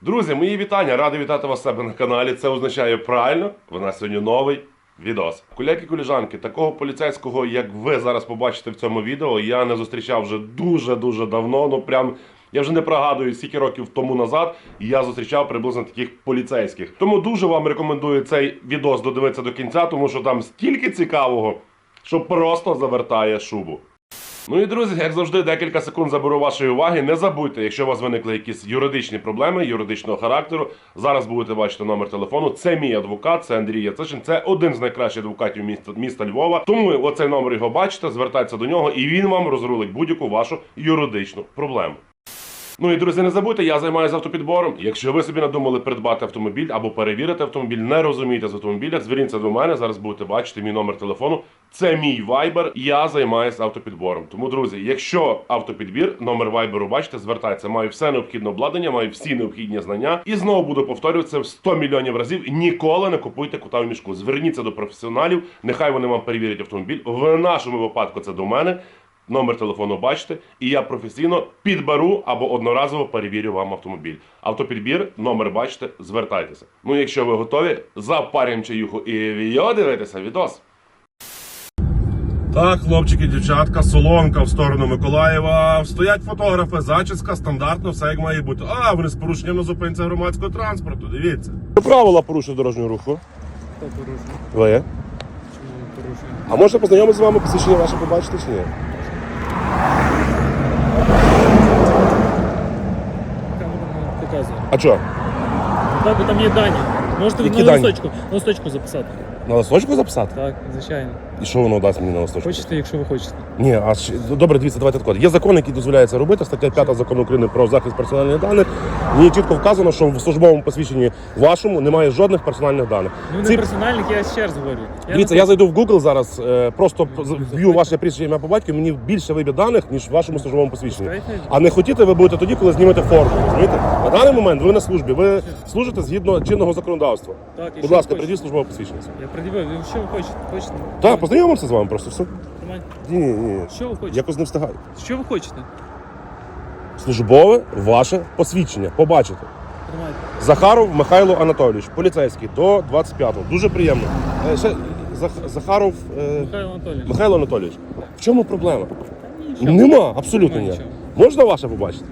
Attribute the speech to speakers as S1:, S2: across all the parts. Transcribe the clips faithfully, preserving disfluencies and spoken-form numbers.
S1: Друзі, мої вітання! Радий вітати вас у себе на каналі. Це означає правильно, у нас сьогодні новий відос. Куляки-коліжанки, такого поліцейського, як ви зараз побачите в цьому відео, я не зустрічав вже дуже-дуже давно. Ну прям, я вже не пригадую, скільки років тому назад я зустрічав приблизно таких поліцейських. Тому дуже вам рекомендую цей відос додивитися до кінця, тому що там стільки цікавого, що просто завертає шубу. Ну і, друзі, як завжди, декілька секунд заберу вашої уваги. Не забудьте, якщо у вас виникли якісь юридичні проблеми, юридичного характеру, зараз будете бачити номер телефону. Це мій адвокат, це Андрій Яцишин, це один з найкращих адвокатів міста, міста Львова. Тому оцей номер його бачите, звертайтеся до нього і він вам розрулить будь-яку вашу юридичну проблему. Ну і, друзі, не забудьте, я займаюся автопідбором. Якщо ви собі надумали придбати автомобіль або перевірити автомобіль, не розумієте з автомобілях, зверніться до мене, зараз будете бачити мій номер телефону. Це мій вайбер, я займаюся автопідбором. Тому, друзі, якщо автопідбір, номер вайберу бачите, звертайтеся. Маю все необхідне обладнання, маю всі необхідні знання. І знову буду повторювати це в сто мільйонів разів. Ніколи не купуйте кота в мішку. Зверніться до професіоналів, нехай вони вам перевірять автомобіль. В нашому випадку це до мене. Номер телефону бачите, і я професійно підберу або одноразово перевірю вам автомобіль. Автопідбір, номер бачите, звертайтеся. Ну, якщо ви готові, запарюємо чаюху і віо дивитися відос. Так, хлопчики, дівчатка, соломка в сторону Миколаєва. Стоять фотографи, зачіска, стандартно, все як має бути. А, вони з порушенням на зупинці громадського транспорту, дивіться. Правила порушення дорожнього руху.
S2: Хто порушує?
S1: Ви?
S2: Чому порушує?
S1: А можна познайомитися з вами, посвідчення ваше побачити чи ні?
S2: Камера не показує.
S1: А що?
S2: Так, бо там є дані. Можете
S1: Які
S2: на
S1: дані?
S2: листочку, на листочку записати.
S1: На листочку записати?
S2: Так, звичайно.
S1: І що воно дасть мені на листочку?
S2: Хочете, якщо ви хочете.
S1: Ні, а ж- добре, дивіться, давайте так. Є закон, який дозволяє це робити. Стаття п'ята Закону України про захист персональних даних. В ній чітко вказано, що в службовому посвідченні вашому немає жодних персональних даних.
S2: Ну не
S1: Ці...
S2: персональник, я ще раз говорю. Я
S1: Дивіться,
S2: не
S1: я зайду в Google зараз, е, просто вб'ю ваше прізвище, ім'я по батькові, мені більше вибір даних, ніж в вашому службовому посвідченні.
S2: Пускайте.
S1: А не хотіте ви будете тоді, коли знімете форму. Розумієте? На даний момент ви на службі, ви служите згідно чинного законодавства.
S2: Так, і
S1: Будь
S2: що
S1: ласка,
S2: ви
S1: придіть
S2: хочете?
S1: службове посвідчення.
S2: Я пред'явив, ви що ви хочете? Хочете?
S1: Так, познайомимося з вами просто, все.
S2: Тримайте.
S1: Ні, ні, ні.
S2: Що ви хочете?
S1: Якось не встигаю.
S2: Що ви хочете?
S1: Службове ваше посвідчення. Побачите.
S2: Тримайте.
S1: Захаров Михайло Анатолійович, поліцейський, до двадцять п'ятого. Дуже приємно. Е, ще Зах- Захаров е,
S2: Михайло Анатолійович.
S1: Михайло Анатолійович. В чому проблема?
S2: Нічого.
S1: Нема, абсолютно
S2: Нема
S1: ніяк.
S2: нічого.
S1: Можна ваше побачити?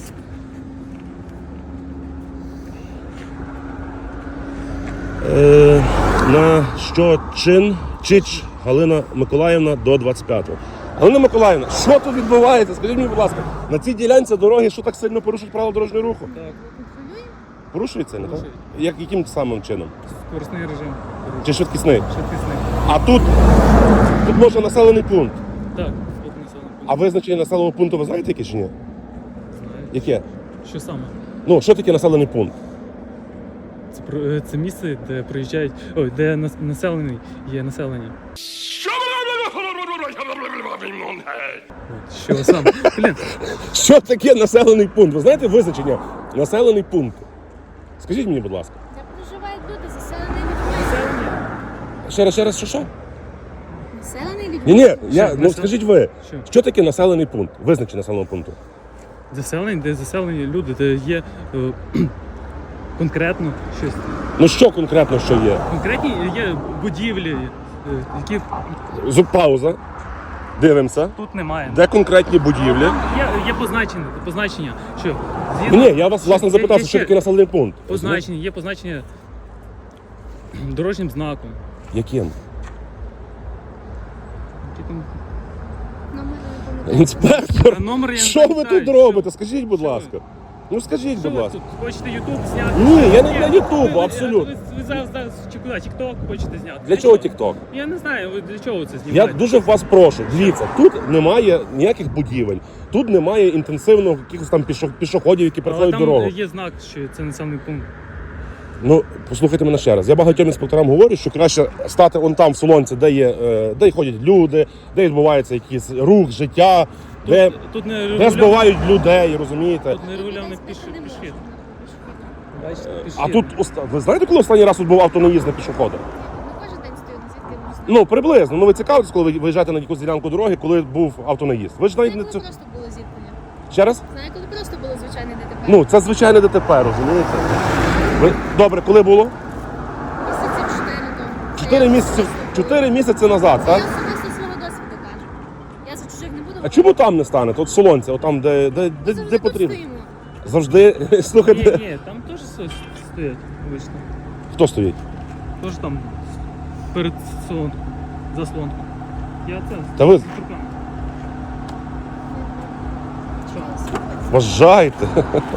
S1: Е, на що чин Чич Галина Миколаївна до двадцять п'ятого. Галина Миколаївна, що тут відбувається? Скажіть мені, будь ласка, на цій ділянці дороги що так сильно порушують правила дорожнього руху?
S2: Так,
S1: Порушується, не так?
S2: Порушують.
S1: Як, яким самим чином?
S2: скоростний режим.
S1: Чи швидкісний?
S2: Швидкісний.
S1: А тут, тут може населений пункт.
S2: Так, тут населений пункт.
S1: А визначення населеного пункту ви знаєте яке чи ні?
S2: Знаю.
S1: Яке?
S2: Що саме?
S1: Ну, що таке населений пункт?
S2: Це, про- це місце, де приїжджають, ой, де нас- населений є населення. Що саме? Блін,
S1: Що таке населений пункт? Ви знаєте визначення населений пункт? Скажіть мені, будь ласка.
S3: Де проживають люди, заселені людьми.
S2: населення.
S1: Ще раз, ще раз, що що?
S3: Населені людьми.
S1: Ні, ні, я,
S2: Що,
S1: ну
S2: насел-
S1: скажіть ви,
S2: Що?
S1: що таке населений пункт? Визначення населеного пункту.
S2: Заселені, де заселені люди, де є е, конкретно щось.
S1: Ну що конкретно що є?
S2: Конкретні є будівлі, е, які
S1: З- Пауза. Дивимося.
S2: тут немає.
S1: Де конкретні будівлі?
S2: Є, є позначення, позначення, що
S1: Ну, ні, я вас власне
S2: Є-
S1: запитався,
S2: є
S1: що
S2: ще
S1: таке населений пункт.
S2: позначення, є позначення дорожнім знаком.
S1: Яким?
S2: Які там-
S3: Номер не пам'ятаю.
S1: Інспектор,
S2: А номер я не
S1: що ви
S2: пам'ятаю,
S1: тут
S2: що-
S1: робите? Скажіть, будь
S2: що ви?
S1: ласка. Ну скажіть,
S2: Що
S1: будь
S2: ви
S1: ласка.
S2: тут хочете Ютуб зняти?
S1: Ні, я не
S2: Ні,
S1: для
S2: ви-
S1: Ютубу,
S2: ви-
S1: абсолютно.
S2: Ви, ви зараз, зараз чи куди? Тікток хочете зняти?
S1: Для чого тікток?
S2: Я не знаю, ви для чого це
S1: Я
S2: знімаєте?
S1: дуже вас прошу, дивіться, тут немає ніяких будівель, тут немає інтенсивно якихось там пішо- пішоходів, які
S2: Але
S1: переходять
S2: там
S1: дорогу.
S2: є знак, що це населений пункт.
S1: Ну, послухайте мене ще раз. Я багатьом інспекторам говорю, що краще стати он там в солонці, де є, е, де ходять люди, де відбувається якийсь рух, життя,
S2: Тут,
S1: де,
S2: тут не
S1: де
S2: регульовано-
S1: збивають людей, розумієте?
S2: Тут не регульований піш,
S3: Десь не
S2: пішхід.
S3: можна.
S2: Бачите, пішхід.
S1: А тут, оста- ви знаєте, коли останній раз тут був автонаїзд на пішохода?
S3: Ну, кожен день стою, звідки я можу знати.
S1: Ну, приблизно. Ну, ви цікавитесь, коли ви виїжджаєте на якусь ділянку дороги, коли був автонаїзд. Ви ж навіть
S3: Знаю,
S1: не
S3: коли
S1: це...
S3: просто було зіткнення.
S1: Ще раз?
S3: Знаю, коли просто було звичайне ДТП.
S1: Ну, це звичайне ДТП, розумієте? Ви... Добре, коли було?
S3: Місяців чотири тому.
S1: Чотири
S3: Я
S1: місяці,
S3: особисто-
S1: чотири місяці назад,
S3: Я
S1: так?
S3: особисто свого досвіду кажу. Я за чужих не буду.
S1: А чому там не стане? Тут солонця, отам, де, де, де,
S3: Завжди
S1: де
S3: тут
S1: потрібно.
S3: стоїмо.
S1: Завжди,
S2: Ні,
S1: слухайте,
S2: ні, там теж щось стоять обично.
S1: хто стоїть?
S2: Теж там перед солонкою, заслонкою. Я це
S1: Та ви-
S2: з руками. Що?
S1: Вважайте.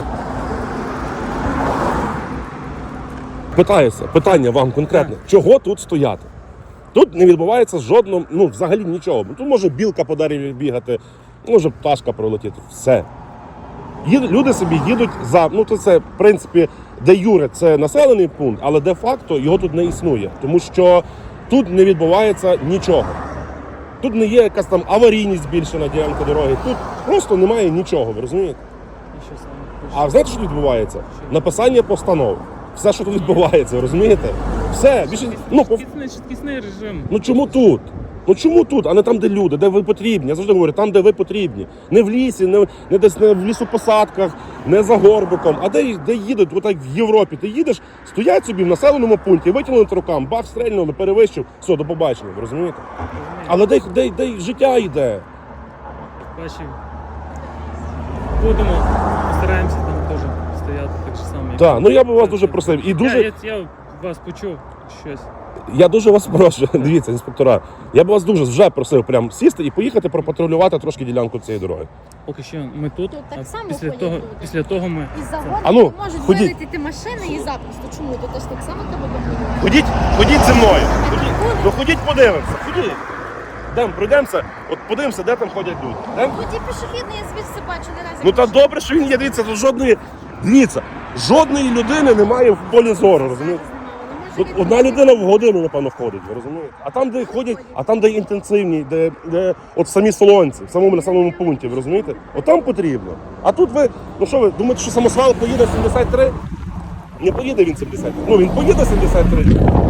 S1: Питаюся, питання вам конкретно. Чого тут стояти? Тут не відбувається жодного, ну взагалі нічого. Тут може білка по дереві бігати, може пташка пролетіти. Все. Їд- люди собі їдуть за, ну то це, в принципі, де юре це населений пункт, але де-факто його тут не існує. Тому що тут не відбувається нічого. Тут не є якась там аварійність збільшена ділянка дороги. Тут просто немає нічого, ви розумієте?
S2: І що саме?
S1: А знаєте, що тут відбувається? Написання постанов. Все, що тут відбувається, ви розумієте? Все, більше. Ну, по...
S2: Швидкісний, швидкісний режим.
S1: ну чому тут? Ну чому тут, а не там, де люди, де ви потрібні? Я завжди говорю, там, де ви потрібні. Не в лісі, не, не десь не в лісопосадках, не за горбиком, а де, де їдуть, отак в Європі. Ти їдеш, стоять собби в населеному пункті, витягнули рукам, бах, стрельнули, перевищив, все, до побачення, ви розумієте? Але де, де, де життя йде?
S2: Бачив. Будемо, постараємося там теж стояти так же само. як-
S1: Так, ну я би вас дуже просив. І дуже.
S2: Я, я, я вас почув щось.
S1: Я дуже вас прошу, дивіться, інспектора. Я б вас дуже вже просив прям сісти і поїхати пропатрулювати трошки ділянку цієї дороги.
S2: Поки що ми тут,
S3: Тут так
S2: а
S3: само
S2: після
S3: ходять
S2: того,
S3: люди.
S2: після того ми.
S3: І загони
S1: А ну,
S3: можуть
S1: ходіть.
S3: вилетіти машини і запросто. Чому? Тут теж так само треба контролювати.
S1: Ходіть, ходіть зі мною.
S3: Ходіть.
S1: Ну ходіть, подивимося. Ходіть. Йдемо, пройдемося, от подивимося, де там ходять люди. Йдемо?
S3: Тут і пішохідний, я звідси бачу не разі.
S1: Ну та добре, що він є, дивіться, тут жодної, дивіться, жодної людини немає в полі зору, розумієте? Тут одна людина в годину, напевно, входить, ви розумієте? А там, де ходять, а там, де інтенсивні, де, де от самі солонці, в самому населеному пункті, ви розумієте? От там потрібно. А тут ви, ну що ви, думаєте, що самосвал поїде сімдесят три? Не поїде він сімдесят три. Ну він поїде сімдесят три.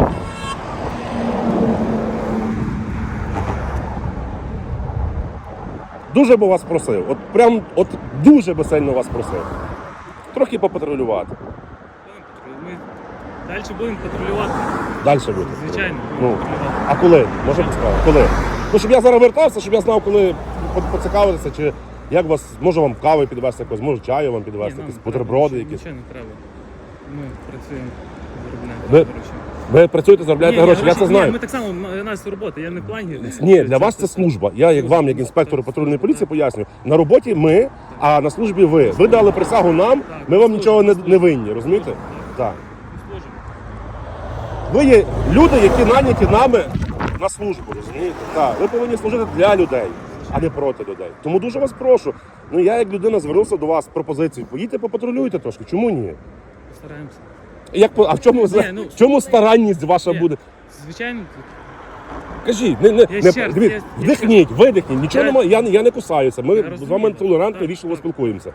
S1: Дуже би вас просив, от прям, от дуже би сильно вас просив. Трохи попатрулювати.
S2: Ми далі будемо патрулювати.
S1: Далі буде.
S2: Звичайно,
S1: Ну,
S2: будемо патрулювати.
S1: а коли? Може підсказати? Коли? Ну, щоб я зараз вертався, щоб я знав, коли по- поцікавитися, чи як вас, може вам кави підвести якось, може чаю вам
S2: Ні,
S1: підвести,
S2: нам
S1: якісь
S2: не треба,
S1: бутерброди
S2: нічого-
S1: якісь.
S2: Нічого не треба. Ми працюємо, заробляємо
S1: Ви-
S2: гроші.
S1: Ви працюєте, заробляєте
S2: Ні, ні,
S1: гроші, я це
S2: ні,
S1: знаю.
S2: Ми так само, у нас робота, я не в плані.
S1: Ні, для вас це служба. Я, як вам, як інспектору патрульної поліції, пояснюю. На роботі ми, а на службі ви. Ви дали присягу нам, ми вам нічого не, не винні, розумієте? Так.
S2: Служимо.
S1: Ви є люди, які наняті нами на службу, розумієте? Так, ви повинні служити для людей, а не проти людей. Тому дуже вас прошу. Ну я як людина звернувся до вас з пропозицією. Поїдьте попатрулюйте трошки. Чому ні?
S2: Постараємося.
S1: Як по- а в чому,
S2: Ні, ну,
S1: в чому старанність ваша
S2: Ні.
S1: буде?
S2: Звичайно, тут.
S1: Кажіть, не, не,
S2: Я
S1: не
S2: ще раз,
S1: дивіться,
S2: я- я
S1: вдихніть, видихніть, нічого
S2: Я-
S1: немає, я, не- я не кусаюся. Ми
S2: Я
S1: з
S2: розумію.
S1: вами толерантно,
S2: Так,
S1: вічливо
S2: так.
S1: спілкуємося.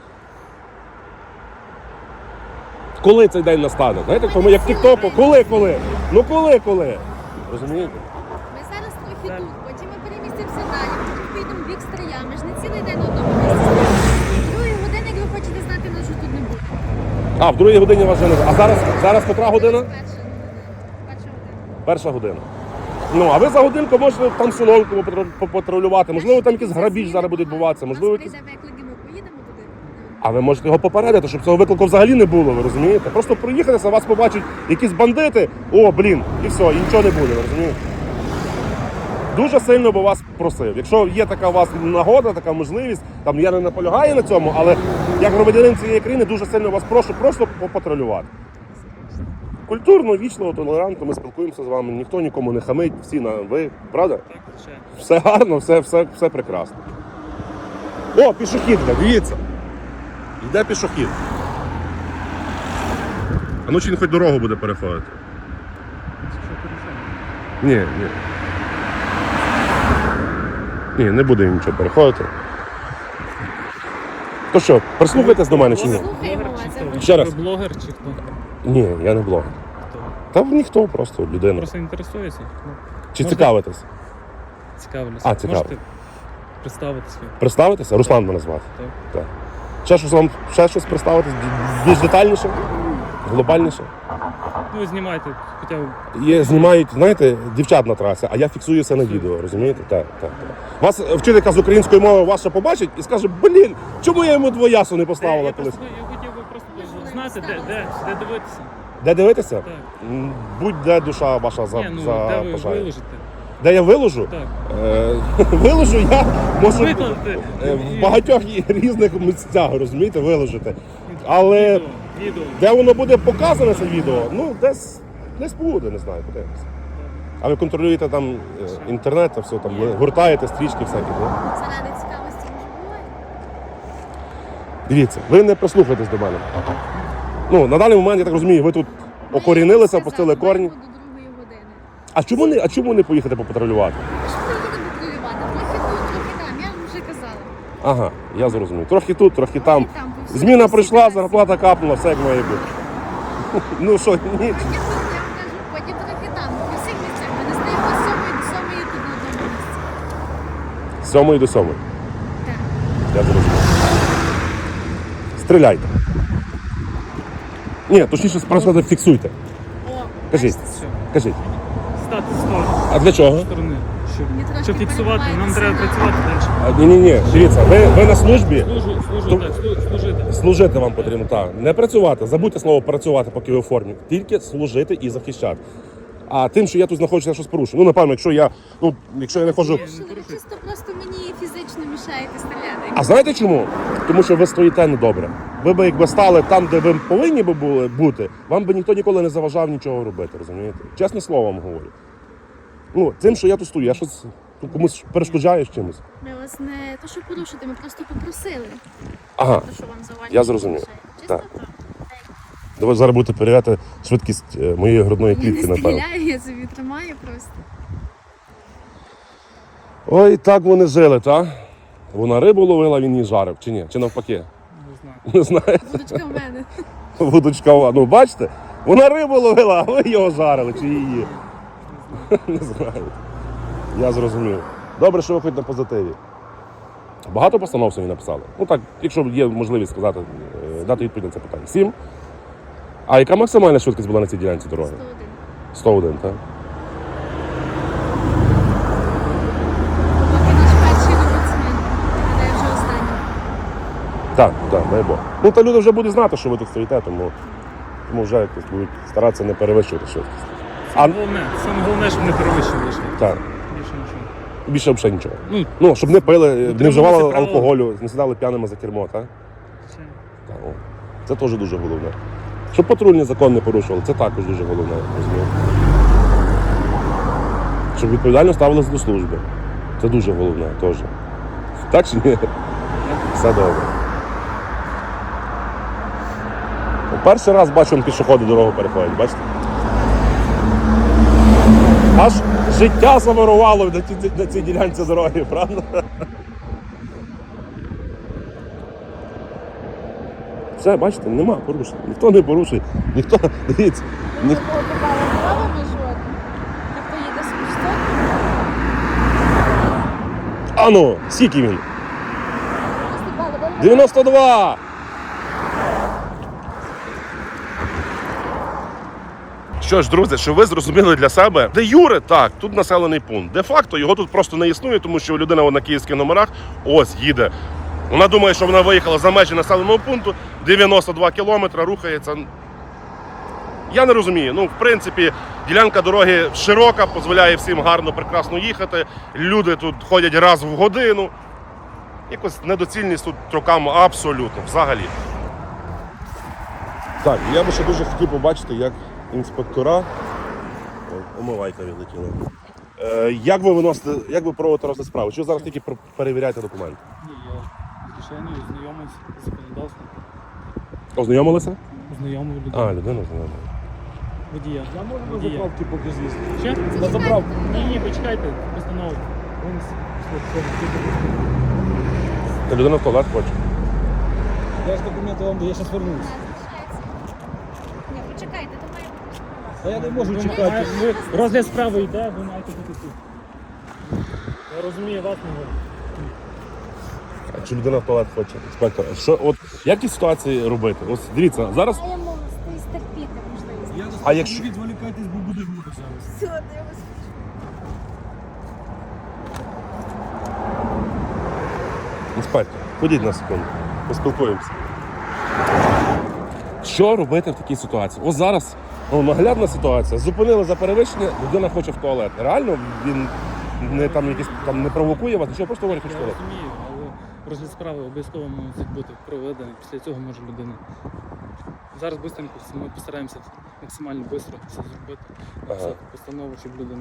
S1: Коли цей день настане? Знаєте, коли як тік-току, коли, коли? Ну коли, коли? Розумієте?
S3: Ми зараз трохи тут, потім ми перемістимося далі, потім поїдемо в бік Стрия. Ми ж не цілий день на одному місці. Другої години, як ви хочете знати, нас вже тут не буде.
S1: А, в другій годині вас вже не. А зараз, зараз котра година?
S3: Перша година. Перша година.
S1: Перша година. Ну, а ви за годинку можете там солонку попатру- попатрулювати. Можливо, там якийсь грабіж зараз буде відбуватися. Можливо,
S3: Нас
S1: якийсь...
S3: прийде виклик, і ми поїдемо туди.
S1: А ви можете його попередити, щоб цього виклику взагалі не було, ви розумієте? Просто проїхатися, вас побачать якісь бандити, о, блін, і все, і нічого не буде, ви розумієте? Дуже сильно би вас просив. Якщо є така у вас нагода, така можливість, там я не наполягаю на цьому, але як громадянин цієї країни дуже сильно вас прошу просто попатрулювати. Культурно, вічливо, толерантно ми спілкуємося з вами, ніхто нікому не хамить, всі на ви, правда?
S2: Так, звичайно.
S1: Все гарно, все, все, все прекрасно. О, пішохідка, дивіться. Йде пішохід. А ну чи він хоч дорогу буде переходити?
S2: Це що порушено?
S1: Ні, ні. Ні, не буде він нічого переходити. То що, прислухайтесь до мене чи ні?
S3: Слухаємо
S2: Блогер
S3: вас,
S2: чи
S3: я
S2: хто?
S3: хочу.
S1: Ще раз.
S2: Ви блогер чи хто?
S1: Ні, я не блогер.
S2: Хто?
S1: Та ніхто, просто людина.
S2: Просто інтересується. Ну,
S1: Чи
S2: можете-
S1: цікавитесь?
S2: Цікавлюся.
S1: А, цікаво.
S2: Можете представитися.
S1: Представитися? Руслан мене звати.
S2: Так.
S1: Так. Ще щось вам, ще щось представити більш детальніше, глобальніше.
S2: Ну, знімайте, хоча б.
S1: Є, знімають, знаєте, дівчат на трасі, а я фіксую все на відео, розумієте? Так, так, так. Вас вчителька з української мови ваша побачить і скаже, блін, чому я йому двоясу не поставила
S2: я,
S1: колись?
S2: просто, я хотів би просто знати, де, де, де дивитися.
S1: Де дивитися?
S2: Так.
S1: М, Будь-де душа ваша за,
S2: Ні, ну,
S1: за
S2: де ви
S1: бажає.
S2: виложите.
S1: Де я виложу?
S2: Так.
S1: Е, виложу я можу
S2: Викладати.
S1: е, в багатьох різних місцях, розумієте, виложити. Але
S2: Відео, відео.
S1: де воно буде показане це відео, ну десь, десь буде, не знаю, подивимося. А ви контролюєте там е, інтернет, та все, там, ви гуртаєте стрічки всякі, так?
S3: Заради цікавості може буває.
S1: Дивіться, ви не прислухайтесь до мене. Ну, на даний момент, я так розумію, ви тут окорінилися, пустили корні.
S3: До другої години.
S1: А чому не, а чому не поїхати попатрулювати?
S3: Що ви їдете патрулювати? Трохи тут, трохи там, я вам вже казала.
S1: Ага, я зрозумів. Трохи тут, трохи там.
S3: Трохи там, бо всі
S1: Зміна
S3: всі
S1: прийшла,
S3: всі
S1: зарплата капнула, все як має бути. Ну що, ні.
S3: Потім тут, я вам кажу, потім трохи там, по всіх місцях. Ми не стоїмо з сьомої до сьомої тут на одному місці.
S1: З сьомої до сьомої.
S3: Так.
S1: Я зрозумів. Стріляйте. Ні, точніше, просто фіксуйте.
S3: О,
S1: Кажіть.
S3: бачите?
S2: Все.
S1: Кажіть.
S2: Стати з сторони.
S1: А для чого?
S2: сторони. Щоб,
S3: Мені трошки
S2: щоб фіксувати, нам
S3: перебувається
S2: треба
S3: на-
S2: працювати далі.
S1: Ні, ні, ні. Дивіться, ви, ви на службі.
S2: Служу, служу,
S1: То-
S2: так, слу- служити.
S1: Служити вам потрібно, так. Не працювати. Забудьте слово працювати, поки ви у формі. Тільки служити і захищати. А тим, що я тут знаходжуся, я щось порушую. Ну, напевно, якщо я, ну, якщо я не ходжу.
S3: Що ви чисто просто мені фізично мішаєте стріляти.
S1: А знаєте чому? Тому що ви стоїте недобре. Ви би якби стали там, де ви повинні би були бути, вам би ніхто ніколи не заважав нічого робити, розумієте? Чесне слово вам говорю. Ну, тим, що я тут стою, я щось ну, комусь перешкоджаю з чимось.
S3: Ми вас не то, що порушити, ми просто попросили.
S1: Ага.
S3: То, що вам завалює.
S1: Я зрозумів.
S3: мішає. Чисто
S1: Так.
S3: так.
S1: Давай зараз будете перевіряти швидкість е, моєї грудної
S3: Я
S1: клітки,
S3: не
S1: напевно.
S3: стріляю, я собі тримаю просто.
S1: Ой, так вони жили, так? Вона рибу ловила, він її жарив, чи ні? Чи навпаки?
S2: Не знаю.
S1: Не знаю.
S3: Будочка в мене.
S1: Вудочкова. Ну, бачите? Вона рибу ловила, а ви його жарили, чи її? Не знаю. Я зрозумів. Добре, що ви хоч на позитиві. Багато постанов сьогодні написали? Ну так, якщо є можливість сказати, е, дати відповідь на це питання. Сім. А яка максимальна швидкість була на цій ділянці дороги?
S3: сто один.
S1: сто один, так?
S3: Поки наш перший рекордсмен. Гадаю, вже останній.
S1: Так, так, дай Бог. Ну, та люди вже будуть знати, що ви тут стоїте, тому, тому вже якось будуть старатися не перевищувати швидкість. А,
S2: Саме головне, саме головне, щоб не перевищили лише.
S1: так,
S2: Більше нічого.
S1: більше взагалі нічого.
S2: Ну,
S1: Ну, щоб не пили, не
S2: Дотримуватися
S1: вживали
S2: правил.
S1: алкоголю, не сідали п'яними за кермо, так?
S2: це
S1: Так, о. Це теж дуже головне. Щоб патрульний закон не порушували, це також дуже головне, розумієте? Щоб відповідально ставилися до служби. Це дуже головне теж. Так чи ні? Все добре. Перший раз бачу, пішоходи дорогу переходять, бачите? Аж життя завирувало на цій, на цій ділянці дороги, правда? Все, бачите, нема порушень. Ніхто не порушує. Ніхто, дивіться, ні,
S3: Такого попала правами жодного. Ніхто їде з кустом.
S1: ану, скільки він?
S3: Наступали, ви
S1: дев'яносто два! Що ж, друзі, щоб ви зрозуміли для себе, де Юре, так, тут населений пункт. Де-факто його тут просто не існує, тому що людина на київських номерах ось їде. Вона думає, що вона виїхала за межі населеного пункту, дев'яносто два кілометри, рухається. Я не розумію. Ну, в принципі, ділянка дороги широка, дозволяє всім гарно, прекрасно їхати. Люди тут ходять раз в годину. Якось недоцільність тут роками абсолютно, взагалі. Так, я би ще дуже хотів побачити, як інспектора. Ой, омивайка відлетіла. Е, як ви виносите, як ви проводите розгляд справи? Чи ви зараз тільки про- перевіряєте документи?
S2: ні, я звичайно знайомився з законодавством.
S1: Ознайомилися?
S2: Знайомий
S1: А,
S2: людину.
S1: людина ознайомила.
S2: Водія.
S4: Я можу на
S2: Водія.
S4: заправки поки з'їсти.
S2: Ще?
S4: На заправку.
S2: Ні, ні, почекайте, постанову. Вон с-
S1: Та людина в туалет хоче.
S4: Я ж документи вам даю, я зараз вернусь.
S3: Ні, почекайте, то має бути.
S4: Та я не можу
S2: Ви
S4: чекати.
S2: має- ви- Розгляд справи йде, ви маєте бути тут. Я розумію вас, не ви.
S1: А якщо людина в туалет хоче, інспектор, що, от, як із ситуації робити? Ось дивіться, зараз.
S3: Маємо стерпіти можливість.
S4: Я
S1: А якщо-
S4: не відволікайтесь, бо буде глупо зараз.
S3: Все, дивимось.
S1: Інспектор, ходіть на секунду, поспілкуємося. Що робити в такій ситуації? Ось зараз ну, наглядна ситуація. Зупинили за перевищення, людина хоче в туалет. Реально він не там якісь там не провокує вас, нічого, просто говорить, хоче в
S2: Я
S1: туалет.
S2: розумію, але розгляд справи обов'язково мусить бути проведений. Після цього може людина. Зараз швидко ми постараємося максимально швидко все зробити.
S1: Ага.
S2: Все, постанову, щоб людина.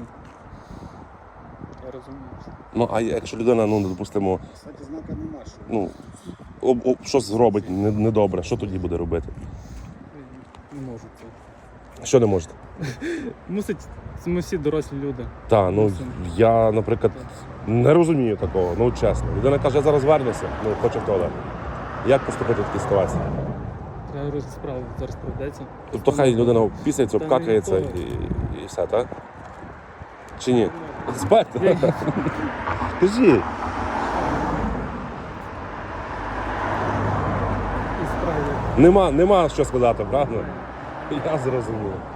S2: Я розумію.
S1: Ну а якщо людина, ну допустимо,
S4: Кстати, знака нема, що.
S1: ну об, об, щось зробить не- недобре, що тоді буде робити?
S2: Не можу це.
S1: Що не можете?
S2: Мусить, це ми всі дорослі люди.
S1: Та, ну
S2: Мусимо.
S1: я, наприклад, не розумію такого, ну чесно. Людина каже, я зараз вернуся, ну хоче в туалет. Як поступити в такій ситуації?
S2: Треба розгляд справи зараз проведеться.
S1: Тобто хай людина пісяється,
S2: Та
S1: обкакається
S2: ні,
S1: і, і все, так? Чи ні? Інспектор, кажіть.
S2: І справи.
S1: Нема, нема що сказати, правда? Я зрозумів.